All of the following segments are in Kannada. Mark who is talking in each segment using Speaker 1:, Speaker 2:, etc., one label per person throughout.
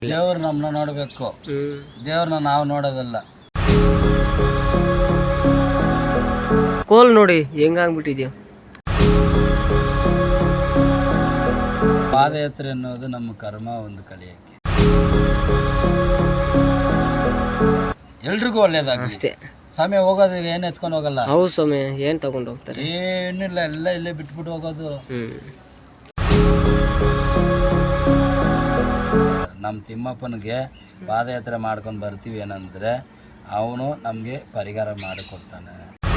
Speaker 1: ದೇವ್ರು ನಮ್ಮನ್ನ ನೋಡಬೇಕು, ದೇವ್ರನ್ನ ನಾವು ನೋಡೋದಲ್ಲ.
Speaker 2: ಕೋಲ್ ನೋಡಿ ಹೆಂಗಾಗ್ಬಿಟ್ಟಿದ್ಯಾ.
Speaker 1: ಪಾದಯಾತ್ರೆ ಅನ್ನೋದು ನಮ್ಮ ಕರ್ಮ ಒಂದು ಕಲಿಯಕ್ಕೆ ಎಲ್ರಿಗೂ ಒಳ್ಳೇದಾಗ್ಲಿ
Speaker 2: ಅಷ್ಟೇ.
Speaker 1: ಸಮಯ ಹೋಗೋದು ಏನು ಎತ್ಕೊಂಡು ಹೋಗಲ್ಲ.
Speaker 2: ಹೌದು ಸಮಯ ಏನ್ ತಗೊಂಡು ಹೋಗ್ತಾರೆ,
Speaker 1: ಏನಿಲ್ಲ, ಎಲ್ಲ ಇಲ್ಲೇ ಬಿಟ್ಬಿಟ್ಟು ಹೋಗೋದು. ನಮ್ಮ ತಿಮ್ಮಪ್ಪನಿಗೆ ಪಾದಯಾತ್ರೆ ಮಾಡ್ಕೊಂಡು ಬರ್ತೀವಿ ಏನಂದ್ರೆ ಅವನು ನಮಗೆ ಪರಿಹಾರ ಮಾಡಿಕೊಡ್ತಾನೆ.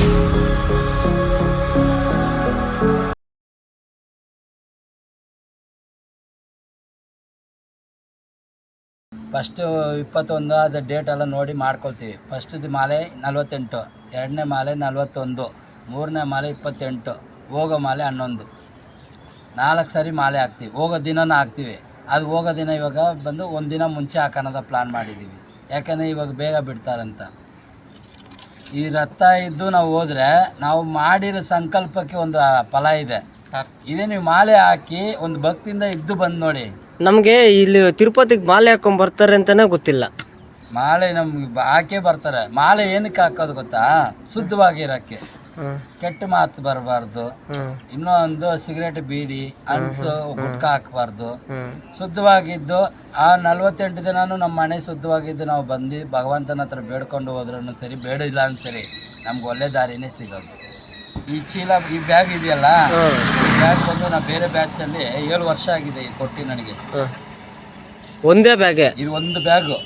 Speaker 1: ಫಸ್ಟು 21 ಅದು ಡೇಟ್ ಎಲ್ಲ ನೋಡಿ ಮಾಡ್ಕೊಳ್ತೀವಿ. ಫಸ್ಟ್ದು ಮಾಲೆ 48, ಎರಡನೇ ಮಾಲೆ 41, ಮೂರನೇ ಮಾಲೆ 28, ಹೋಗೋ ಮಾಲೆ 11, 4 ಸರಿ ಮಾಲೆ ಹಾಕ್ತೀವಿ. ಹೋಗೋ ದಿನನೂ ಹಾಕ್ತೀವಿ. ಅದು ಹೋಗೋ ದಿನ ಇವಾಗ ಬಂದು ಒಂದು ದಿನ ಮುಂಚೆ ಹಾಕೋಣದ ಪ್ಲ್ಯಾನ್ ಮಾಡಿದ್ದೀವಿ, ಯಾಕಂದರೆ ಇವಾಗ ಬೇಗ ಬಿಡ್ತಾರಂತ. ಈ ರಥ ಇದ್ದು ನಾವು ಹೋದರೆ ನಾವು ಮಾಡಿರೋ ಸಂಕಲ್ಪಕ್ಕೆ ಒಂದು ಫಲ ಇದೆ. ಇದೇ ನೀವು ಮಾಲೆ ಹಾಕಿ ಒಂದು ಭಕ್ತಿಯಿಂದ ಇದ್ದು ಬಂದು ನೋಡಿ.
Speaker 2: ನಮ್ಗೆ ಇಲ್ಲಿ ತಿರುಪತಿಗೆ ಮಾಲೆ ಹಾಕೊಂಡ್ ಬರ್ತಾರೆ ಅಂತಾನೆ ಗೊತ್ತಿಲ್ಲ.
Speaker 1: ಮಾಲೆ ನಮ್ಗೆ ಹಾಕೇ ಬರ್ತಾರೆ. ಮಾಲೆ ಏನಕ್ಕೆ ಹಾಕೋದು ಗೊತ್ತಾ? ಶುದ್ಧವಾಗಿರೋಕ್ಕೆ, ಕೆಟ್ಟ ಮಾತು ಬರಬಾರ್ದು, ಇನ್ನೊಂದು ಸಿಗರೇಟ್ ಬೀಡಿ ಅಣಸು ಗುಟ್ಕ ಹಾಕಬಾರ್ದು. ಶುದ್ಧವಾಗಿದ್ದು ಆ 48 ದಿನಾನು ನಮ್ಮ ಮನೆ ಶುದ್ಧವಾಗಿದ್ದು ನಾವು ಬಂದು ಭಗವಂತನ ಹತ್ರ ಬೇಡ್ಕೊಂಡು ಹೋದ್ರೂ ಸರಿ, ಬೇಡಿಲ್ಲ ಅಂತ ಸರಿ, ನಮ್ಗೆ ಒಳ್ಳೆ ದಾರಿನೇ ಸಿಗೋದು. ಈ ಚೀಲ, ಈ ಬ್ಯಾಗ್ ಇದೆಯಲ್ಲ, ಈ ಬ್ಯಾಗ್ ಬಂದು ನಾವು ಬೇರೆ ಬ್ಯಾಚಲ್ಲಿ 7 ವರ್ಷ ಆಗಿದೆ ಕೊಟ್ಟು ನನಗೆ.
Speaker 2: ಒಂದೇ ಬ್ಯಾಗೆ
Speaker 1: ಇದು ಒಂದು ಬ್ಯಾಗು.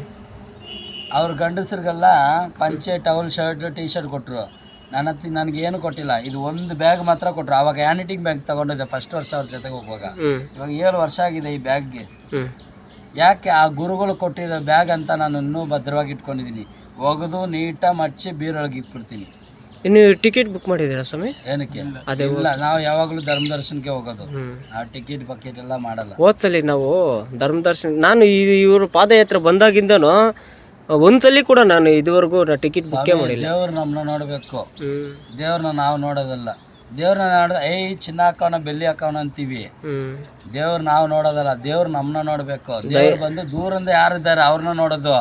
Speaker 1: ಅವ್ರ ಗಂಡಸರಿಗೆಲ್ಲ ಪಂಚೆ, ಟವಲ್, ಶರ್ಟ್, ಟೀ ಶರ್ಟ್ ಕೊಟ್ಟರು. ನನಗೇನು ಕೊಟ್ಟಿಲ್ಲ. ಇದು ಒಂದು ಬ್ಯಾಗ್ ಮಾತ್ರ ಕೊಟ್ಟರು. ಆವಾಗ ಹ್ಯಾಂಡ್ ಬ್ಯಾಗ್ ತಗೊಂಡಿದ್ದೆ ಫಸ್ಟ್ ವರ್ಷ ಅವ್ರ ಜೊತೆಗೆ ಹೋಗುವಾಗ. ಇವಾಗ 7 ವರ್ಷ ಆಗಿದೆ ಈ ಬ್ಯಾಗ್ಗೆ. ಯಾಕೆ? ಆ ಗುರುಗಳು ಕೊಟ್ಟಿರೋ ಬ್ಯಾಗ್ ಅಂತ ನಾನು ಇನ್ನೂ ಭದ್ರವಾಗಿ ಇಟ್ಕೊಂಡಿದ್ದೀನಿ. ಒಗೆದು ನೀಟಾಗಿ ಮಚ್ಚಿ ಬೀರೊಳಗೆ ಇಟ್ಬಿಡ್ತೀನಿ.
Speaker 2: ಇನ್ನು ಟಿಕೆಟ್ ಬುಕ್ ಮಾಡಿದ್ದೀರಾ ಸ್ವಾಮಿ?
Speaker 1: ಏನಕ್ಕೆ? ಇಲ್ಲ, ನಾವು ಯಾವಾಗಲೂ ಧರ್ಮ ದರ್ಶನಕ್ಕೆ ಹೋಗೋದು. ಆ ಟಿಕೆಟ್ ಬಕೆಟ್ ಎಲ್ಲ ಮಾಡಲ್ಲ.
Speaker 2: ಹೋದ್ಸಲಿ ನಾವು ಧರ್ಮ ದರ್ಶನ, ನಾನು ಇವರು ಪಾದಯಾತ್ರೆ ಬಂದಾಗಿಂದನು ಒಂದ್ಸಲಿ ಕೂಡ ನಾನು ಇದುವರೆಗೂ ಟಿಕೆಟ್ ಬುಕ್ಕೇ ಮಾಡಿಲ್ಲ.
Speaker 1: ದೇವ್ರು ನಮ್ಮನ್ನ ನೋಡಬೇಕು, ದೇವ್ರನ್ನ ನಾವು ನೋಡೋದಲ್ಲ. ದೇವ್ರನ್ನ ನೋಡ ಚಿನ್ನ ಹಾಕೋಣ, ಬೆಳ್ಳಿ ಹಾಕೋಣ ಅಂತೀವಿ. ದೇವ್ರು ನಾವು ನೋಡೋದಲ್ಲ, ದೇವ್ರು ನಮ್ಮನ್ನ ನೋಡಬೇಕು. ದೇವ್ರು ಬಂದು ದೂರಿಂದ ಯಾರಿದ್ದಾರೆ ಅವ್ರನ್ನ ನೋಡೋದು.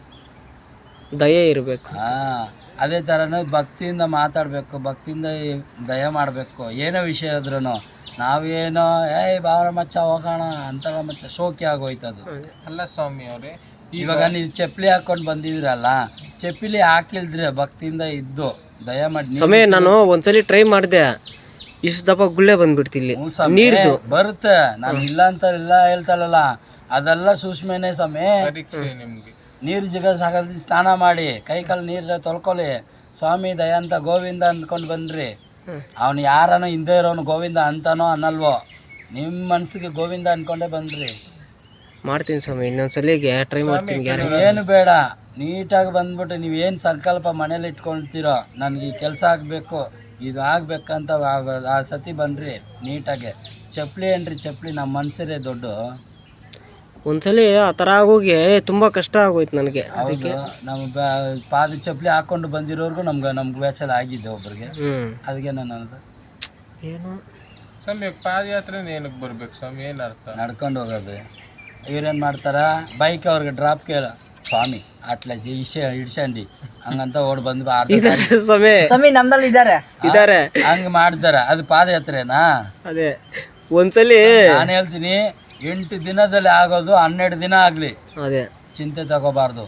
Speaker 2: ದಯೆ ಇರಬೇಕು.
Speaker 1: ಅದೇ ಥರನೇ ಭಕ್ತಿಯಿಂದ ಮಾತಾಡಬೇಕು, ಭಕ್ತಿಯಿಂದ ದಯ ಮಾಡಬೇಕು. ಏನೋ ವಿಷಯ ಆದ್ರೂ ನಾವೇನೋ ಬಾವರ ಮಚ್ಚ ಹೋಗೋಣ ಅಂತ ಮಚ್ಚ ಶೋಕಿ ಆಗೋಯ್ತದು.
Speaker 3: ಅಲ್ಲ ಸ್ವಾಮಿ ಅವರೇ,
Speaker 1: ಇವಾಗ ನೀವು ಚಪ್ಪಲಿ ಹಾಕೊಂಡು ಬಂದಿದ್ರಲ್ಲ, ಚಪ್ಪಲಿ ಹಾಕಿಲ್ದ್ರೆ ಭಕ್ತಿಯಿಂದ ಇದ್ದು ದಯ ಮಾಡಿ.
Speaker 2: ಸಮಯ ನಾನು ಒಂದ್ಸಲಿ ಟ್ರೈ ಮಾಡಿದೆ, ಇಷ್ಟು ದಪ್ಪ ಗುಳ್ಳೆ ಬಂದ್ಬಿಡ್ತಿಲ್ಲಿ ನೀರ್ದು
Speaker 1: ಬರುತ್ತೆ. ನಾನು ಇಲ್ಲ ಅಂತ ಇಲ್ಲ ಹೇಳ್ತಾರಲ್ಲ, ಅದೆಲ್ಲ ಸೂಕ್ಷ್ಮನೇ ಸಮಯ.
Speaker 3: ನಿಮ್ಗೆ
Speaker 1: ನೀರು ಜಿಗ ಸಾಕಿ ಸ್ನಾನ ಮಾಡಿ ಕೈ ಕಾಲು ನೀರು ತೊಳ್ಕೊಳ್ಳಿ, ಸ್ವಾಮಿ ದಯ ಅಂತ ಗೋವಿಂದ ಅಂದ್ಕೊಂಡು ಬನ್ರಿ. ಅವನು ಯಾರನೋ ಹಿಂದೆ ಇರೋನು ಗೋವಿಂದ ಅಂತಾನೋ ಅನ್ನಲ್ವೋ, ನಿಮ್ಮ ಮನಸ್ಸಿಗೆ ಗೋವಿಂದ ಅಂದ್ಕೊಂಡೇ ಬನ್ರಿ.
Speaker 2: ಮಾಡ್ತೀನಿ ಸ್ವಾಮಿ, ಇನ್ನೊಂದ್ಸಲಿಗೆ ಟ್ರೈ ಮಾಡ್ತೀನಿ.
Speaker 1: ಏನು ಬೇಡ, ನೀಟಾಗಿ ಬಂದ್ಬಿಟ್ಟು ನೀವೇನು ಸಂಕಲ್ಪ ಮನೇಲಿ ಇಟ್ಕೊಳ್ತೀರೋ, ನನಗೆ ಈ ಕೆಲಸ ಆಗಬೇಕು, ಇದು ಆಗ್ಬೇಕಂತ ಆ ಸತಿ ಬನ್ರಿ ನೀಟಾಗೆ. ಚಪ್ಪಲಿ ಏನ್ರಿ ಚಪ್ಪಲಿ, ನಮ್ಮ ಮನಸ್ಸರೇ ದೊಡ್ಡ.
Speaker 2: ಒಂದ್ಸಲಿ ಆ ಥರ ಆಗೋಗಿ ತುಂಬ ಕಷ್ಟ ಆಗೋಯ್ತು ನನಗೆ.
Speaker 1: ಹೌದು, ನಮ್ಮ ಪಾದ ಚಪ್ಪಲಿ ಹಾಕೊಂಡು ಬಂದಿರೋರ್ಗು ನಮ್ಗೆ ವ್ಯಾಚಲ ಆಗಿದೆ ಒಬ್ರಿಗೆ. ಅದಕ್ಕೆ ನಾನು ಅನ್ನೋದು
Speaker 2: ಏನು
Speaker 3: ಸ್ವಾಮಿ, ಪಾದಯಾತ್ರೆ ಏನಕ್ಕೆ ಬರ್ಬೇಕು ಸ್ವಾಮಿ? ಏನು ಅರ್ಥ?
Speaker 1: ನಡ್ಕೊಂಡು ಹೋಗೋದು. ಇವ್ರೇನು ಮಾಡ್ತಾರ, ಬೈಕ್ ಅವ್ರಿಗೆ ಡ್ರಾಪ್ ಕೇಳ ಸ್ವಾಮಿ ಅಟ್ಲ ಇಡ್ಸಂಡಿ ಹಂಗಂತ ಓಡ್ ಬಂದು
Speaker 2: ಸ್ವಾಮಿ ನಮ್ದಲ್ಲಿ ಇದ್ದಾರೆ
Speaker 1: ಹಂಗ ಮಾಡ್ತಾರ. ಅದು ಪಾದಯಾತ್ರೆನಾ?
Speaker 2: ಅದೇ ಒಂದ್ಸಲಿ
Speaker 1: ನಾನು ಹೇಳ್ತೀನಿ, 8 ದಿನದಲ್ಲಿ ಆಗೋದು 12 ದಿನ ಆಗಲಿ, ಅದೇ ಚಿಂತೆ ತಗೋಬಾರ್ದು.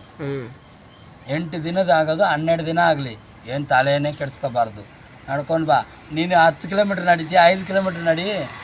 Speaker 1: 8 ದಿನದ ಆಗೋದು 12 ದಿನ ಆಗಲಿ, ಏನು ತಲೆಯೇ ಕೆಡಿಸ್ಕೋಬಾರ್ದು. ನಡ್ಕೊಂಡು ಬಾ. ನೀನು 10 ಕಿಲೋಮೀಟ್ರ್ ನಡೀತೀಯ, 5 ಕಿಲೋಮೀಟ್ರ್ ನಡಿ.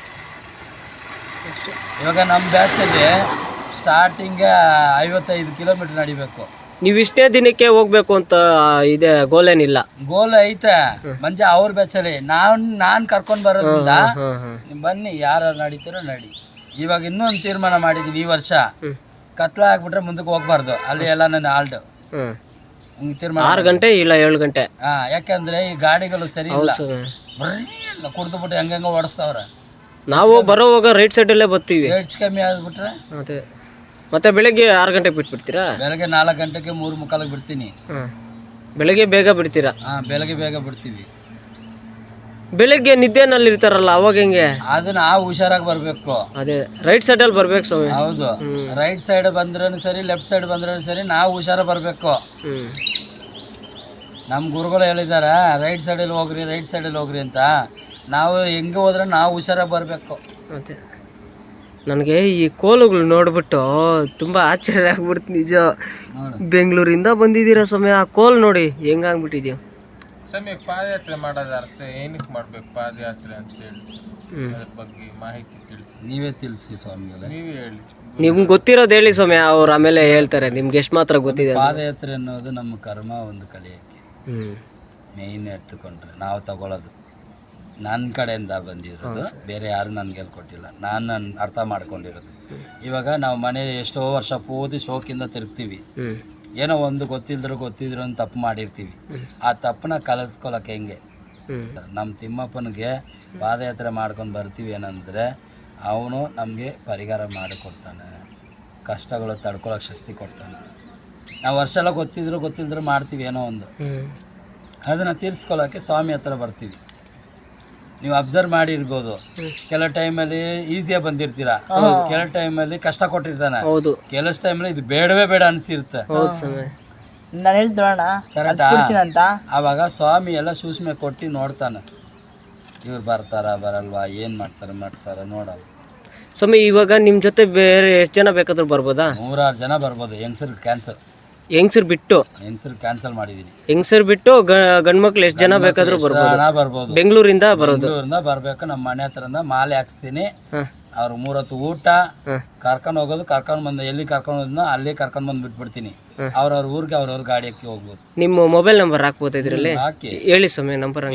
Speaker 1: ಇವಾಗ ನಮ್ಮ ಬ್ಯಾಚಲ್ಲಿ ಸ್ಟಾರ್ಟಿಂಗ್ 55 ಕಿಲೋಮೀಟ್ರ್ ನಡಿಬೇಕು.
Speaker 2: ನೀವು ಇಷ್ಟೇ ದಿನಕ್ಕೆ ಹೋಗ್ಬೇಕು ಅಂತ ಇದೆ ಗೋಲೇನಿಲ್ಲ.
Speaker 1: ಗೋಲ್ ಐತೆ ಮಂಜ ಅವ್ರ ಬ್ಯಾಚಲ್ಲಿ. ನಾನು ಕರ್ಕೊಂಡು ಬರೋದ್ರಿಂದ ಬನ್ನಿ, ಯಾರು ನಡೀತೀರೋ ನಡಿ. ಇವಾಗ ಇನ್ನೂ ಒಂದು ತೀರ್ಮಾನ ಮಾಡಿದ್ದೀನಿ ಈ ವರ್ಷ, ಕತ್ಲ ಆಗ್ಬಿಟ್ರೆ ಮುಂದಕ್ಕೆ ಹೋಗ್ಬಾರ್ದು. ಅಲ್ಲಿ ಎಲ್ಲ ನನ್ನ ಆಲ್ಟ್ ತೀರ್ಮಾನ
Speaker 2: 6 ಗಂಟೆ ಇಲ್ಲ 7 ಗಂಟೆ.
Speaker 1: ಯಾಕಂದ್ರೆ ಈ ಗಾಡಿಗಳು ಸರಿ ಇಲ್ಲ, ಕುಡ್ದು ಬಿಟ್ಟು ಹೆಂಗ ಓಡಿಸ್ತಾವ್ರೆ.
Speaker 2: ನಾವು ಬರೋವಾಗ ರೈಟ್ ಸೈಡಲ್ಲೇ ಬರ್ತೀವಿ.
Speaker 1: ಹೆಚ್ಚು ಕಮ್ಮಿ ಆಗ್ಬಿಟ್ರೆ
Speaker 2: ಅದೇ ಮತ್ತೆ ಬೆಳಗ್ಗೆ 6 ಗಂಟೆಗೆ ಬಿಟ್ಬಿಡ್ತೀರಾ?
Speaker 1: ಬೆಳಗ್ಗೆ 4 ಗಂಟೆಗೆ 3:45 ಬಿಡ್ತೀನಿ.
Speaker 2: ಬೆಳಗ್ಗೆ ಬೇಗ ಬಿಡ್ತೀರಾ?
Speaker 1: ಬೆಳಗ್ಗೆ ಬೇಗ ಬಿಡ್ತೀವಿ.
Speaker 2: ಬೆಳಿಗ್ಗೆ ನಿದ್ದೆನಲ್ಲಿ ಇರ್ತಾರಲ್ಲ ಅವಾಗ ಹೆಂಗೆ?
Speaker 1: ಅದು ನಾವು ಹುಷಾರಾಗಿ ಬರಬೇಕು.
Speaker 2: ಅದೇ ರೈಟ್ ಸೈಡಲ್ಲಿ ಬರ್ಬೇಕು ಸ್ವಾಮಿ.
Speaker 1: ಹೌದು, ರೈಟ್ ಸೈಡ್ ಬಂದ್ರೂ ಸರಿ, ಲೆಫ್ಟ್ ಸೈಡ್ ಬಂದ್ರೂ ಸರಿ, ನಾವು ಹುಷಾರ ಬರಬೇಕು. ನಮ್ಮ ಗುರುಗಳು ಹೇಳಿದಾರ ರೈಟ್ ಸೈಡಲ್ಲಿ ಹೋಗ್ರಿ, ರೈಟ್ ಸೈಡಲ್ಲಿ ಹೋಗ್ರಿ ಅಂತ. ನಾವು ಹೆಂಗೆ ಹೋದ್ರೆ ನಾವು ಹುಷಾರಾಗಿ ಬರಬೇಕು.
Speaker 2: ಅದೇ ನನಗೆ ಈ ಕೋಲುಗಳು ನೋಡ್ಬಿಟ್ಟು ತುಂಬ ಆಶ್ಚರ್ಯ ಆಗ್ಬಿಡ್ತು ನಿಜ. ಬೆಂಗಳೂರಿಂದ ಬಂದಿದ್ದೀರಾ ಸ್ವಾಮಿ, ಆ ಕೋಲ್ ನೋಡಿ ಹೆಂಗಾಗ್ಬಿಟ್ಟಿದ್ಯೋ.
Speaker 3: ಸ್ವಾಮಿ ಪಾದಯಾತ್ರೆ ಮಾಡೋದ ಅರ್ಥ ಏನಕ್ಕೆ ಮಾಡ್ಬೇಕು ಪಾದಯಾತ್ರೆ ಅಂತ ಹೇಳಿ ಅದ್ರ ಬಗ್ಗೆ ಮಾಹಿತಿ ತಿಳಿಸಿ.
Speaker 1: ನೀವೇ ತಿಳಿಸಿ ಸ್ವಾಮಿಗಳೇ,
Speaker 3: ನೀವೇ ಹೇಳಿ.
Speaker 2: ನಿಮ್ಗೆ ಗೊತ್ತಿರೋದು ಹೇಳಿ ಸ್ವಾಮಿ, ಅವ್ರು ಆಮೇಲೆ ಹೇಳ್ತಾರೆ. ನಿಮ್ಗೆ ಎಷ್ಟು ಮಾತ್ರ ಗೊತ್ತಿದೆ?
Speaker 1: ಪಾದಯಾತ್ರೆ ಅನ್ನೋದು ನಮ್ಮ ಕರ್ಮ ಒಂದು ಕಲಿಯೋಕ್ಕೆ ಮೇಯ್ನ್ ಎತ್ತುಕೊಂಡ್ರೆ ನಾವು ತಗೊಳ್ಳೋದು ನನ್ನ ಕಡೆಯಿಂದ ಬಂದಿರೋದು, ಬೇರೆ ಯಾರು ನನಗೆ ಹೇಳ್ಕೊಟ್ಟಿಲ್ಲ, ನಾನು ಅರ್ಥ ಮಾಡ್ಕೊಂಡಿರೋದು. ಇವಾಗ ನಾವು ಮನೆ ಎಷ್ಟೋ ವರ್ಷ ಪೂರ್ತಿ ಶೋಕಿಂದ ತಿರುಗ್ತೀವಿ, ಏನೋ ಒಂದು ಗೊತ್ತಿದ್ರು ಅಂತ ತಪ್ಪು ಮಾಡಿರ್ತೀವಿ. ಆ ತಪ್ಪನ್ನ ಕಲಿಸ್ಕೊಳಕ್ಕೆ ಹೆಂಗೆ ನಮ್ಮ ತಿಮ್ಮಪ್ಪನಿಗೆ ಪಾದಯಾತ್ರೆ ಮಾಡ್ಕೊಂಡು ಬರ್ತೀವಿ ಏನಂದರೆ ಅವನು ನಮಗೆ ಪರಿಹಾರ ಮಾಡಿಕೊಡ್ತಾನೆ, ಕಷ್ಟಗಳು ತಡ್ಕೊಳಕ್ಕೆ ಶಕ್ತಿ ಕೊಡ್ತಾನೆ. ನಾವು ವರ್ಷ ಎಲ್ಲ ಗೊತ್ತಿದ್ರು ಮಾಡ್ತೀವಿ ಏನೋ ಒಂದು, ಅದನ್ನು ತೀರಿಸ್ಕೊಳ್ಳೋಕ್ಕೆ ಸ್ವಾಮಿ ಹತ್ರ ಬರ್ತೀವಿ. ನೀವು ಅಬ್ಸರ್ವ್ ಮಾಡಿರ್ಬೋದು, ಕೆಲವು ಟೈಮಲ್ಲಿ ಈಸಿಯಾಗಿ ಬಂದಿರ್ತೀರಾ, ಕೆಲವು ಟೈಮಲ್ಲಿ ಕಷ್ಟ ಕೊಟ್ಟಿರ್ತಾನೆ, ಕೆಲವು ಟೈಮಲ್ಲಿ ಇದು ಬೇಡವೇ ಬೇಡ ಅನಿಸಿರುತ್ತೆ.
Speaker 4: ನಾನು ಹೇಳ್ತೋಣ
Speaker 1: ಕರೆಕ್ಟಾ? ಆವಾಗ ಸ್ವಾಮಿ ಎಲ್ಲ ಸೂಕ್ಷ್ಮ ಕೊಟ್ಟು ನೋಡ್ತಾನೆ, ಇವ್ರು ಬರ್ತಾರ ಬರಲ್ವಾ, ಏನು ಮಾಡ್ತಾರ ನೋಡಲ್ಲ.
Speaker 2: ಸ್ವಾಮಿ ಇವಾಗ ನಿಮ್ಮ ಜೊತೆ ಬೇರೆ ಎಷ್ಟು ಜನ ಬೇಕಾದ್ರೂ ಬರ್ಬೋದಾ?
Speaker 1: 100 ಜನ ಬರ್ಬೋದು. ಹೆಂಗಸರು ಕ್ಯಾನ್ಸಲ್ ಮಾಡಿದೀನಿ.
Speaker 2: ಹೆಂಗಸರು ಬಿಟ್ಟು ಗಂಡ್ಮಕ್ಳು ಎಷ್ಟು ಜನ ಬೇಕಾದ್ರೂ
Speaker 1: ಬರ್ಬೋದು.
Speaker 2: ಬೆಂಗಳೂರಿಂದ
Speaker 1: ಬರ್ಬೇಕು. ನಮ್ಮ ಮನೆ ಹತ್ರದಿಂದ ಮಾಲೆ ಹಾಕ್ಸ್ತೀನಿ. ಅವ್ರ 3 ಹೊತ್ತು ಊಟ, ಕರ್ಕೊಂಡು ಹೋಗೋದು, ಕರ್ಕೊಂಡು ಬಂದು ಎಲ್ಲಿ ಕರ್ಕೊಂಡು ಹೋದ್ನೋ ಅಲ್ಲಿ ಕರ್ಕೊಂಡು ಬಂದು ಬಿಟ್ಬಿಡ್ತೀನಿ. ಅವ್ರವ್ರ ಊರಿಗೆ ಅವ್ರವ್ರ ಗಾಡಿ ಹಾಕಿ ಹೋಗ್ಬೋದು.
Speaker 2: ನಿಮ್ಮ ಮೊಬೈಲ್ ನಂಬರ್ ಹಾಕ್ಬೋದು ಇದರಲ್ಲಿ?
Speaker 1: ಹಾಕಿ
Speaker 2: ಹೇಳಿ ಸ್ವಾಮಿ ನಂಬರ್.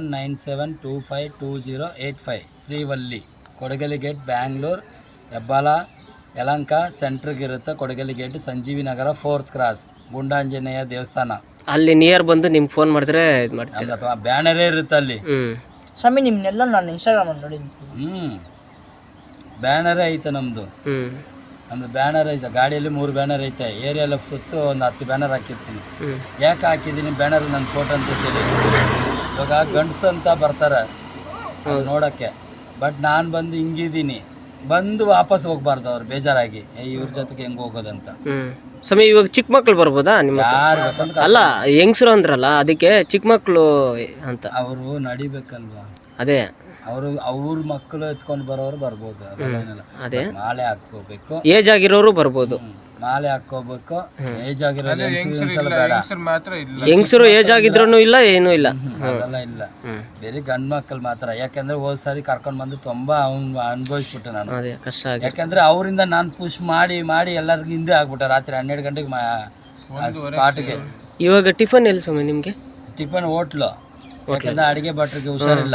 Speaker 1: 8197252085 ಶ್ರೀವಲ್ಲಿ, ಕೊಡಗಲಿ ಗೇಟ್, ಬ್ಯಾಂಗ್ಳೂರ್, ಹೆಬ್ಬಾಳ, ಯಲಂಕ ಸೆಂಟ್ರಿಗೆ ಇರುತ್ತೆ. ಕೊಡಗಲಿ ಗೇಟ್, ಸಂಜೀವಿ ನಗರ, 4th ಕ್ರಾಸ್, ಗುಂಡಾಂಜನೇಯ ದೇವಸ್ಥಾನ.
Speaker 2: ಅಲ್ಲಿ ನಿಯರ್ ಬಂದು ನಿಮ್ಗೆ ಫೋನ್ ಮಾಡಿದ್ರೆ ಇದು ಮಾಡ್ತೀನಿ.
Speaker 1: ಬ್ಯಾನರೇ ಇರುತ್ತೆ ಅಲ್ಲಿ.
Speaker 4: ಸ್ವಾಮಿ ನಿಮ್ನೆಲ್ಲ ನಾನು ಇನ್ಸ್ಟಾಗ್ರಾಮ್ ಅಲ್ಲಿ ನೋಡಿದ್ದೀನಿ.
Speaker 1: ಬ್ಯಾನರೇ ಐತೆ ನಮ್ದು ಬ್ಯಾನರ್ ಐತೆ. ಗಾಡಿಯಲ್ಲಿ 3 ಬ್ಯಾನರ್ ಐತೆ. ಏರಿಯಲ್ಲ ಸುತ್ತು ಒಂದು 10 ಬ್ಯಾನರ್ ಹಾಕಿರ್ತೀನಿ. ಯಾಕೆ ಹಾಕಿದ್ದೀನಿ ಬ್ಯಾನರ್? ನನ್ನ ಫೋಟೋ ಅಂತ ಹೇಳಿ. ಇವಾಗ ಗಂಡಸು ಅಂತ ಬರ್ತಾರೆ ನೋಡೋಕ್ಕೆ, ಬಟ್ ನಾನು ಬಂದು ಹಿಂಗಿದ್ದೀನಿ, ಬಂದು ವಾಪಸ್ ಹೋಗ್ಬಾರ್ದು ಅವ್ರು ಬೇಜಾರಾಗಿ, ಇವ್ರ ಜೊತೆಗೆ ಹೆಂಗೆ ಹೋಗೋದಂತ.
Speaker 2: ಸ್ವಾಮಿ ಇವಾಗ ಚಿಕ್ಕ ಮಕ್ಳು ಬರ್ಬೋದಾ ನಿಮ್ಮ?
Speaker 1: ಯಾರು ಬೇಕಂತ
Speaker 2: ಅಲ್ಲ, ಹೆಂಗಸರು ಅಂದ್ರಲ್ಲ ಅದಕ್ಕೆ ಚಿಕ್ಕ ಮಕ್ಳು ಅಂತ.
Speaker 1: ಅವರು ನಡಿಬೇಕಲ್ವಾ,
Speaker 2: ಅದೇ
Speaker 1: ಅವ್ರ ಮಕ್ಕಳು ಎತ್ಕೊಂಡು ಬರೋರು ಬರ್ಬೋದು.
Speaker 2: ಅದೇ
Speaker 1: ಮಾಲೆ ಹಾಕೋಬೇಕು,
Speaker 2: ಏಜ್ ಆಗಿರೋರು ಬರ್ಬೋದು.
Speaker 1: ಮಾಲೆ ಹಾಕೋಬೇಕು. ಏಜ್ ಆಗಿರೋದು ಬೇಡ,
Speaker 2: ಹೆಂಗಸರು ಏಜ್ ಆಗಿದ್ರೂ ಇಲ್ಲ, ಏನೂ ಇಲ್ಲ,
Speaker 1: ಅದೆಲ್ಲ ಇಲ್ಲ. ಬೇರೆ ಗಂಡು ಮಕ್ಕಳು ಮಾತ್ರ. ಯಾಕಂದ್ರೆ ಹೋದ್ ಸಾರಿ ಕರ್ಕೊಂಡು ಬಂದು ತುಂಬಾ ಅನುಭವಿಸ್ಬಿಟ್ಟೆ ನಾನು.
Speaker 2: ಕಷ್ಟ.
Speaker 1: ಯಾಕಂದ್ರೆ ಅವರಿಂದ ನಾನು ಪುಷ್ ಮಾಡಿ ಎಲ್ಲರಿಗೂ ಹಿಂದೆ ಆಗ್ಬಿಟ್ಟೆ. ರಾತ್ರಿ 12 ಗಂಟೆಗೆ ಸ್ಪಾಟ್ಗೆ.
Speaker 2: ಇವಾಗ ಟಿಫನ್ ಎಲ್ಲಿ ಸ್ವಾಮಿ ನಿಮ್ಗೆ?
Speaker 1: Tiffin hotel. ಯಾಕಂದ್ರೆ ಅಡಿಗೆ ಭಟ್ರಿಗೆ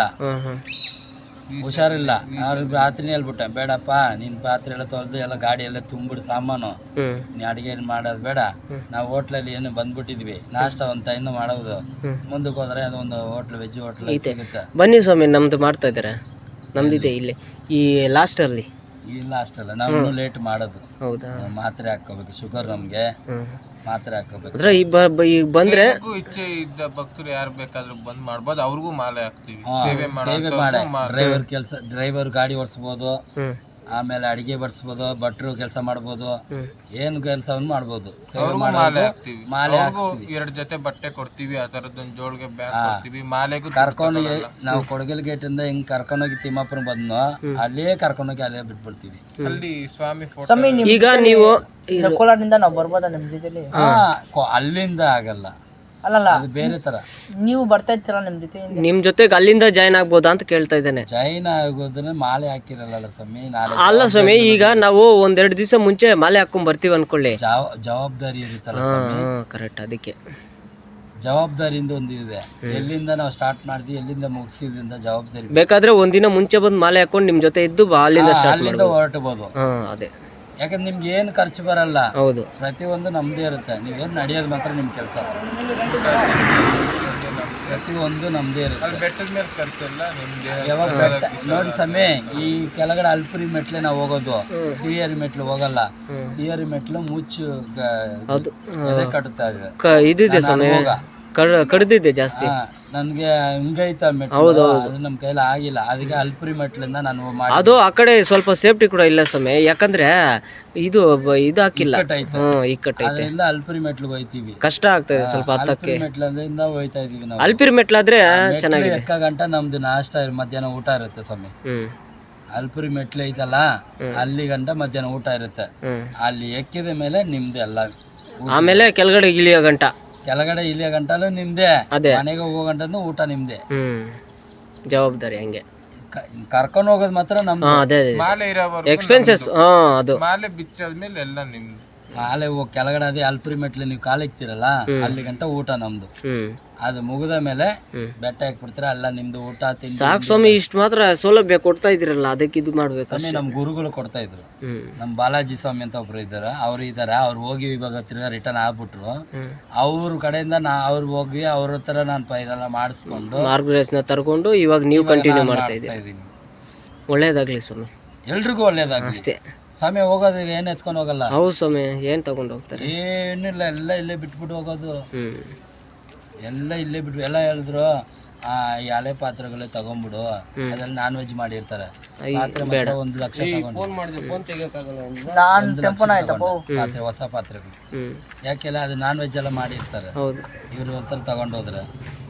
Speaker 1: ಹುಷಾರಿಲ್ಲ. ಅವ್ರಿಗೆ ರಾತ್ರಿನೇ ಹೇಳ್ಬಿಟ್ಟೆ, ಬೇಡಪ್ಪ ನಿನ್ನ ಪಾತ್ರೆ ಎಲ್ಲ ತೊಳೆದು ಎಲ್ಲ ಗಾಡಿ ಎಲ್ಲ ತುಂಬಿಡು ಸಾಮಾನು, ನೀ ಅಡಿಗೆ ಮಾಡೋದು ಬೇಡ, ನಾವು ಹೋಟ್ಲಲ್ಲಿ ಏನು ಬಂದ್ಬಿಟ್ಟಿದ್ವಿ, ನಾಷ್ಟ ಒಂದು ಟೈಮ್ ಮಾಡೋದು, ಮುಂದಕ್ಕೆ ಹೋದ್ರೆ ಅದೊಂದು ಹೋಟ್ಲ್, ವೆಜ್ ಹೋಟ್ಲ್ ಸಿಗುತ್ತೆ.
Speaker 2: ಬನ್ನಿ ಸ್ವಾಮಿ, ನಮ್ದು ಮಾಡ್ತಾ ಇದ್ದಾರೆ, ನಮ್ದಿದೆ ಇಲ್ಲಿ ಈ ಲಾಸ್ಟಲ್ಲಿ.
Speaker 1: ಇಲ್ಲ ಅಷ್ಟಲ್ಲ, ನಾವು ಲೇಟ್ ಮಾಡೋದು.
Speaker 2: ಹೌದಾ?
Speaker 1: ಮಾತ್ರೆ ಹಾಕೋಬೇಕು, ಶುಗರ್ ನಮ್ಗೆ ಮಾತ್ರೆ ಹಾಕೋಬೇಕು.
Speaker 2: ಈಗ ಬಂದ್ರೆ
Speaker 3: ಇಚ್ಛೆ ಇದ್ದ ಭಕ್ತರು ಯಾರು ಬೇಕಾದ್ರೂ ಬಂದ್ ಮಾಡ್ಬೋದು, ಅವ್ರಿಗೂ ಮಾಲೆ ಹಾಕ್ತಿವಿ.
Speaker 1: ಸೇವೆ ಡ್ರೈವರ್ ಕೆಲಸ, ಡ್ರೈವರ್ ಗಾಡಿ ಓಡಿಸ್ಬೋದು, ಆಮೇಲೆ ಅಡಿಗೆ ಬಡಿಸ್ಬೋದು, ಭಟ್ರು ಕೆಲಸ ಮಾಡ್ಬೋದು, ಏನು ಕೆಲಸವನ್ನು ಮಾಡ್ಬೋದು.
Speaker 3: ಮಾಲೆ ಹಾಕ್ತಿವಿ. ಮಾಲೆಗೂ 2 ಜೊತೆ ಬಟ್ಟೆ ಕೊಡ್ತೀವಿ, ಆ ತರದೊಂದು ಜೋಳಿಗೆ ಬ್ಯಾಗ್ ಕೊಡ್ತೀವಿ. ಮಾಲೆಗೂ
Speaker 1: ಕರ್ಕೊಂಡು ನಾವು ಕೊಡಗಲ್ ಗೇಟ್ ಇಂದ ಹಿಂಗ್ ಕರ್ಕೊಂಡೋಗಿ ತಿಮ್ಮಾಪುರ ಬಂದ್ನೋ ಅಲ್ಲೇ ಕರ್ಕೊಂಡೋಗಿ ಅಲ್ಲೇ ಬಿಟ್ಬಿಡ್ತೀವಿ.
Speaker 3: ಅಲ್ಲಿ ಸ್ವಾಮಿ
Speaker 4: ಸ್ವಾಮಿ
Speaker 2: ಈಗ ನೀವು
Speaker 4: ಕೋಲಾರದಿಂದ ನಾವು ಬರ್ಬೋದಾ ನಿಮ್ ಜೊತೆಲಿ?
Speaker 1: ಅಲ್ಲಿಂದ ಆಗಲ್ಲ,
Speaker 4: ಅಲ್ಲಲ್ಲ
Speaker 1: ಬೇರೆ ತರ.
Speaker 4: ನೀವು ಬರ್ತಾ ಇರ್ತೀರ ನಿಮ್ ಜೊತೆ?
Speaker 2: ನಿಮ್ ಜೊತೆಗೆ ಅಲ್ಲಿಂದ ಜಾಯ್ನ್ ಆಗ್ಬೋದಾ ಅಂತ ಕೇಳ್ತಾ ಇದ್ದೇನೆ.
Speaker 1: ಜಾಯ್ನ್ ಆಗೋದನ್ನ ಮಾಲೆ ಹಾಕಿರಲ್ಲ ಸ್ವಾಮಿ.
Speaker 2: ಅಲ್ಲ ಸ್ವಾಮಿ, ಈಗ ನಾವು 1-2 ದಿವಸ ಮುಂಚೆ ಮಾಲೆ ಹಾಕೊಂಡ್ ಬರ್ತೀವಿ ಅನ್ಕೊಳ್ಳಿ,
Speaker 1: ಜವಾಬ್ದಾರಿ ಇರುತ್ತಲ್ಲ.
Speaker 2: ಕರೆಕ್ಟ್, ಅದಕ್ಕೆ
Speaker 1: ಜವಾಬ್ದಾರಿಯಿಂದ ಒಂದು ಇದೆ. ಎಲ್ಲಿಂದ ನಾವು ಸ್ಟಾರ್ಟ್ ಮಾಡಿದ್ವಿ, ಎಲ್ಲಿಂದ ಮುಗಿಸಿದ್ರಿಂದ ಜವಾಬ್ದಾರಿ.
Speaker 2: ಬೇಕಾದ್ರೆ ಒಂದಿನ ಮುಂಚೆ ಬಂದು ಮಾಲೆ ಹಾಕೊಂಡು ನಿಮ್ ಜೊತೆ ಇದ್ದು ಅಲ್ಲಿಂದ
Speaker 1: ಹೊರಟಬಹುದು.
Speaker 2: ಅದೇ,
Speaker 1: ಯಾಕಂದ್ರೆ ನಿಮ್ಗೆ ಏನು ಖರ್ಚು ಬರಲ್ಲ.
Speaker 2: ಹೌದು,
Speaker 1: ಪ್ರತಿಯೊಂದು ನಮ್ದೇ ಇರುತ್ತೆ. ನೀವೇನು ನಡೆಯೋದು ಮಾತ್ರ ನಿಮ್ಮ ಕೆಲಸ, ಪ್ರತಿಯೊಂದು ನಮ್ದೇ ಇರುತ್ತೆ.
Speaker 3: ಬೆಟ್ಟದ ಮೇಲೆ ಖರ್ಚೆಲ್ಲ ನಿಮ್ಗೆ.
Speaker 1: ಯಾವಾಗ ಬೆಟ್ಟ ನೋಡಿ ಸಮಯ, ಈ ಕೆಳಗಡೆ ಅಲ್ಪುರಿ ಮೆಟ್ಲೆ ನಾವು ಹೋಗೋದು, ಸಿಹಿಯರಿ ಮೆಟ್ಲು ಹೋಗಲ್ಲ. ಸಿಹಿಯರಿ ಮೆಟ್ಲು ಮುಚ್ಚು ಎದೆ ಕಟ್ಟುತ್ತಾ ಇದೆ,
Speaker 2: ಇದಿದೆ ಸಮಯ ಕಡ್ದಿದೆ ಜಾಸ್ತಿ.
Speaker 1: ನನಗೆ ಹಿಂಗೈತ ಮೆಟ್ಲು ಅದು ನಮ್ಮ ಕೈಲಿ ಆಗಿಲ್ಲ, ಅದಕ್ಕೆ ಅಲ್ಪುರಿ ಮೆಟ್ಲಿಂದ ನಾನು ಮಾಡಿ
Speaker 2: ಅದು ಆ ಕಡೆ ಸ್ವಲ್ಪ ಸೇಫ್ಟಿ ಕೂಡ ಇಲ್ಲ ಸ್ವಾಮಿ, ಯಾಕಂದ್ರೆ ಇದು ಇದು ಹಾಕಿಲ್ಲ.
Speaker 1: ಇಕ್ಕಟ್ಟೈತೆ.
Speaker 2: ಇಕ್ಕಟ್ಟೈತೆ,
Speaker 1: ಅದರಿಂದ ಅಲ್ಪುರಿ ಮೆಟ್ಲಿಗೆ ಹೋಯ್ತೀವಿ.
Speaker 2: ಕಷ್ಟ ಆಗ್ತದೆ ಸ್ವಲ್ಪ ಹತ್ತಕ್ಕೆ.
Speaker 1: ಅಲ್ಪುರಿ ಮೆಟ್ಲಿಂದ ಹೋಯ್ತಾ ಇದೀವಿ ನಾವು.
Speaker 2: ಅಲ್ಪಿರಿ ಮೆಟ್ಲಾದ್ರೆ ಚೆನ್ನಾಗಿದೆ.
Speaker 1: ಎಕ್ಕ ಗಂಟ ನಮ್ದು ನಾಷ್ಟ ಮಧ್ಯಾಹ್ನ ಊಟ ಇರುತ್ತೆ ಸ್ವಾಮಿ. ಅಲ್ಪುರಿ ಮೆಟ್ಲು ಐತಲ್ಲ ಅಲ್ಲಿ ಗಂಟ ಮಧ್ಯಾಹ್ನ ಊಟ ಇರುತ್ತೆ. ಅಲ್ಲಿ ಎಕ್ಕಿದ ಮೇಲೆ ನಿಮ್ದು ಎಲ್ಲ.
Speaker 2: ಆಮೇಲೆ ಕೆಳಗಡೆ ಇಳಿಯೋ ಗಂಟ,
Speaker 1: ಕೆಳಗಡೆ ಇಲ್ಲಿಯ ಗಂಟಲು ನಿಮ್ದೆ,
Speaker 2: ಅದೇ
Speaker 1: ಮನೆಗೆ ಹೋಗೋ ಗಂಟನು ಊಟ ನಿಮ್ದೆ.
Speaker 2: ಜವಾಬ್ದಾರಿ ಹಂಗೆ.
Speaker 1: ಕರ್ಕೊಂಡು ಹೋಗೋದು ಮಾತ್ರ ನಮ್ದು.
Speaker 2: ಅದೇ
Speaker 3: ಮಾಲೆ ಇರೋವರೆಗೂ
Speaker 2: ಎಕ್ಸ್ಪೆನ್ಸಸ್. ಅದು
Speaker 3: ಮಾಲೆ ಬಿಚ್ಚಾದ್ಮೇಲೆ ಎಲ್ಲ ನಿಮ್ದು.
Speaker 1: ಮಾಲೆ ಕೆಳಗಡೆ ಅದೇ ಅಲ್ಪುರಿ ಮೆಟ್ಲು ನೀವು ಕಾಲಿಕ್ತಿರಲ್ಲ ಅಲ್ಲಿ ಗಂಟ ಊಟ ನಮ್ದು. ಅದು ಮುಗಿದ ಮೇಲೆ ಬೆಟ್ಟ ಹಾಕ್ಬಿಡ್ತೀರ, ಎಲ್ಲ ನಿಮ್ದು ಊಟ ತಿಂಡಿ.
Speaker 2: ಸಾಕು ಸ್ವಾಮಿ, ಇಷ್ಟು ಮಾತ್ರ ಸೌಲಭ್ಯ ಕೊಡ್ತಾ ಇದ್ದೀರಲ್ಲ, ಅದಕ್ಕೆ ಇದು ಮಾಡ್ಬೇಕು.
Speaker 1: ಸ್ವಾಮಿ ನಮ್ಮ ಗುರುಗಳು ಕೊಡ್ತಾ ಇದ್ರು. ನಮ್ಮ ಬಾಲಾಜಿ ಸ್ವಾಮಿ ಅಂತ ಒಬ್ರು ಇದ್ದಾರೆ, ಅವ್ರು ಇದ್ದಾರೆ. ಅವ್ರು ಹೋಗಿ ಇವಾಗ ತಿರ್ಗಾ ರಿಟರ್ನ್ ಆಗ್ಬಿಟ್ರು. ಅವ್ರ ಕಡೆಯಿಂದ ಅವ್ರು ಹೋಗಿ ಅವ್ರ ಹತ್ರ ನಾನು ಇದೆಲ್ಲ ಮಾಡಿಸ್ಕೊಂಡು
Speaker 2: ಮಾರ್ಗದರ್ಶನ ತರ್ಕೊಂಡು ಇವಾಗ ನೀವು ಕಂಟಿನ್ಯೂ ಮಾಡ್ತಾ ಇದ್ದೀನಿ. ಒಳ್ಳೇದಾಗ್ಲಿ ಸ್ವಾಮಿ,
Speaker 1: ಎಲ್ರಿಗೂ ಒಳ್ಳೇದಾಗ್ಲಿ
Speaker 2: ಅಷ್ಟೇ.
Speaker 1: ಸ್ವಾಮಿ ಹೋಗೋದು ಏನು ಎತ್ಕೊಂಡು ಹೋಗಲ್ಲ.
Speaker 2: ಹೌದು ಸ್ವಾಮಿ, ಏನ್ ತಗೊಂಡು ಹೋಗ್ತಾರೆ?
Speaker 1: ಏನಿಲ್ಲ, ಎಲ್ಲ ಇಲ್ಲೇ ಬಿಟ್ಬಿಟ್ಟು ಹೋಗೋದು. ಎಲ್ಲ ಇಲ್ಲೇ ಬಿಟ್ಟು ಎಲ್ಲ ಹೇಳಿದ್ರು ಈ ಹಳೆ ಪಾತ್ರೆಗಳೇ ತಗೊಂಡ್ಬಿಡು, ಅದ್ರಲ್ಲಿ ನಾನ್ ವೆಜ್ ಮಾಡಿರ್ತಾರೆ. ಪಾತ್ರೆ ಮಾತ್ರ 1 ಲಕ್ಷ ತಗೊಂಡು ಪಾತ್ರೆ, ಹೊಸ ಪಾತ್ರೆಗಳು. ಯಾಕೆಲ್ಲ ಅದು ನಾನ್ ವೆಜ್ ಎಲ್ಲ ಮಾಡಿರ್ತಾರೆ. ಇವ್ರ ಹತ್ರ ತಗೊಂಡೋದ್ರೆ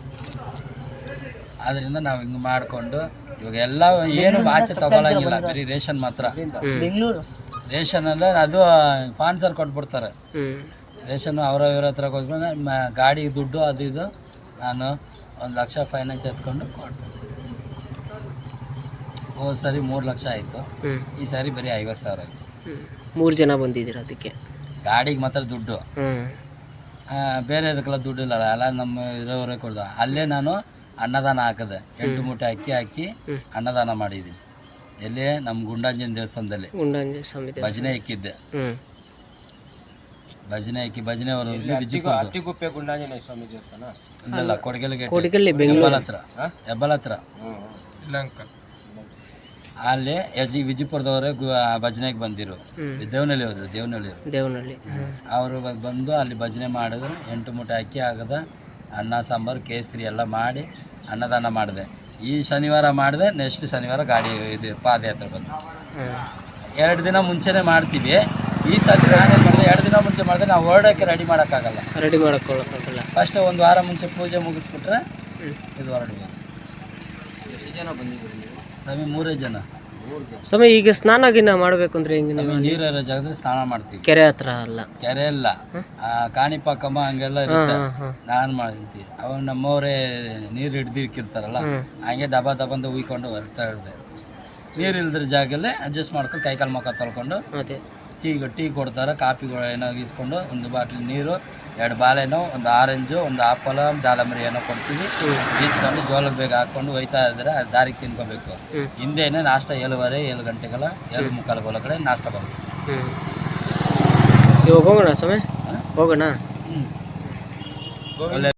Speaker 1: ಅದರಿಂದ ನಾವು ಹಿಂಗೆ ಮಾಡಿಕೊಂಡು ಇವಾಗ ಎಲ್ಲ ಏನು ಆಚೆ ತಗೊಳಂಗಿಲ್ಲ, ಬರೀ ರೇಷನ್ ಮಾತ್ರ. ರೇಷನ್ ಅಂದ್ರೆ ಅದು ಸ್ಪಾನ್ಸರ್ ಕೊಟ್ಬಿಡ್ತಾರೆ. ರೇಷನ್ ಅವರ ಇವ್ರ ಹತ್ರ ಕೊಟ್ಕೊಂಡು ಗಾಡಿ ದುಡ್ಡು ಅದು ಇದು ನಾನು 1 ಲಕ್ಷ ಫೈನಾನ್ಸ್ ಎತ್ಕೊಂಡು ಕೊಡ್ತೀನಿ. ಹೋದ ಸರಿ 3 ಲಕ್ಷ ಆಯಿತು, ಈ ಸಾರಿ ಬರೀ 50,000 ಆಯಿತು.
Speaker 2: 3 ಜನ ಬಂದಿದ್ದೀರ ಅದಕ್ಕೆ.
Speaker 1: ಗಾಡಿಗೆ ಮಾತ್ರ ದುಡ್ಡು, ಬೇರೆ ಅದಕ್ಕೆಲ್ಲ ದುಡ್ಡು ಇಲ್ಲ, ಎಲ್ಲ ನಮ್ಮ ಇರೋವರೇ ಕೊಡ್ದು. ಅಲ್ಲೇ ನಾನು ಅನ್ನದಾನ ಹಾಕಿದೆ, 8 ಮೂಟೆ ಅಕ್ಕಿ ಹಾಕಿ ಅನ್ನದಾನ ಮಾಡಿದ್ದೀನಿ. ಎಲ್ಲಿ ನಮ್ಮ ಗುಂಡಾಂಜನ ದೇವಸ್ಥಾನದಲ್ಲಿ ಭಜನೆ ಇಕ್ಕಿದ್ದೆ. ಭಜನೆ ಹಾಕಿ ಭಜನೆ ಅವರು
Speaker 3: ಅಟ್ಟಿಗುಪ್ಪೆ ಗುಂಡಾಂಜನೇಯ ಸ್ವಾಮಿ ದೇವಸ್ಥಾನ
Speaker 1: ಇಲ್ಲ, ಕೊಡಗಲ್ಗೆ ಹೆಬ್ಬಲ ಹತ್ರ
Speaker 3: ಶ್ರೀಲಂಕಾ.
Speaker 1: ಅಲ್ಲಿ ವಿಜಯಪುರದವರೇ ಭಜನೆಗೆ ಬಂದಿರು. ದೇವನಹಳ್ಳಿ ಹೋದ್ರು, ದೇವನಹಳ್ಳಿ ಅವರು ಬಂದು ಅಲ್ಲಿ ಭಜನೆ ಮಾಡಿದ್ರು. 8 ಮೂಟೆ ಅಕ್ಕಿ ಆಗದ, ಅನ್ನ ಸಾಂಬಾರು ಕೇಸರಿ ಎಲ್ಲ ಮಾಡಿ ಅನ್ನದಾನ ಮಾಡಿದೆ. ಈ ಶನಿವಾರ ಮಾಡಿದೆ, ನೆಕ್ಸ್ಟ್ ಶನಿವಾರ ಗಾಡಿ ಇದು ಪಾದಯಾತ್ರೆ ಬಂದು 2 ದಿನ ಮುಂಚೆನೇ ಮಾಡ್ತೀವಿ. ಈ ಸತಿ ನಾನೇನು ಮಾಡಿದೆ, 2 ದಿನ ಮುಂಚೆ ಮಾಡಿದ್ರೆ ನಾವು ಹೊರಡೋಕ್ಕೆ ರೆಡಿ ಮಾಡೋಕ್ಕಾಗಲ್ಲ. ಫಸ್ಟ್ 1 ವಾರ ಮುಂಚೆ ಪೂಜೆ ಮುಗಿಸ್ಬಿಟ್ರೆ ಇದು ಹೊರಡ್ಬೋದು. ಎಷ್ಟು ಜನ ಬಂದಿದ್ದೀರಿ ಸ್ವಾಮಿ? 3 ಜನ
Speaker 2: ಸ್ವಾಮಿ. ಈಗ ಸ್ನಾನ ಗಿನ್ನ ಮಾಡ್ಬೇಕು ಅಂದ್ರೆ ಹೆಂಗೆ?
Speaker 1: ನೀರಿರೋ ಜಾಗದಲ್ಲಿ ಸ್ನಾನ ಮಾಡ್ತೀವಿ.
Speaker 2: ಕೆರೆ ಹತ್ರ ಅಲ್ಲ,
Speaker 1: ಕೆರೆ ಇಲ್ಲ, ಕಾಣಿಪಾಕಮ್ಮ ಹಂಗೆಲ್ಲ ಇರುತ್ತೆ. ನಾನು ಮಾಡ್ತೀವಿ. ಅವಾಗ ನಮ್ಮವರೇ ನೀರು ಹಿಡ್ದಿಕ್ಕಿರ್ತಾರಲ್ಲ, ಹಂಗೆ ದಬ ದಬಂದು ಉಯ್ಕೊಂಡು ಬರ್ತಾ ಇರ್ದೆ. ನೀರು ಇಲ್ದ್ರ ಜಾಗಲ್ಲೇ ಅಡ್ಜಸ್ಟ್ ಮಾಡ್ಕೊಂಡು ಕೈಕಾಲು ಮುಖ ತೊಳ್ಕೊಂಡು ಟೀ ಕೊಡ್ತಾರೆ, ಕಾಪಿಗಳು ಏನೋ ಇಸ್ಕೊಂಡು 1 ಬಾಟ್ಲಿ ನೀರು, 2 ಬಾಳೆನೋ, 1 ಆರೆಂಜು, 1 ಆಪಲ್, ದಾಳಂಬರಿ ಏನೋ ಕೊಡ್ತೀವಿ. ಈಸ್ಕೊಂಡು ಜೋಳದ ಬೇಗ ಹಾಕ್ಕೊಂಡು ಒಯ್ತಾ ಇದ್ರೆ ದಾರಿಗೆ ತಿನ್ಕೋಬೇಕು. ಹಿಂದೆನೇ ನಾಷ್ಟ 7 ಗಂಟೆಗೆಲ್ಲ 7:45 ಒಳಗಡೆ ನಾಷ್ಟ ಬರುತ್ತೆ.
Speaker 2: ಇವಾಗ ಹೋಗೋಣ ಸ್ವಾಮಿ, ಹೋಗೋಣ.
Speaker 1: ಒಳ್ಳೆ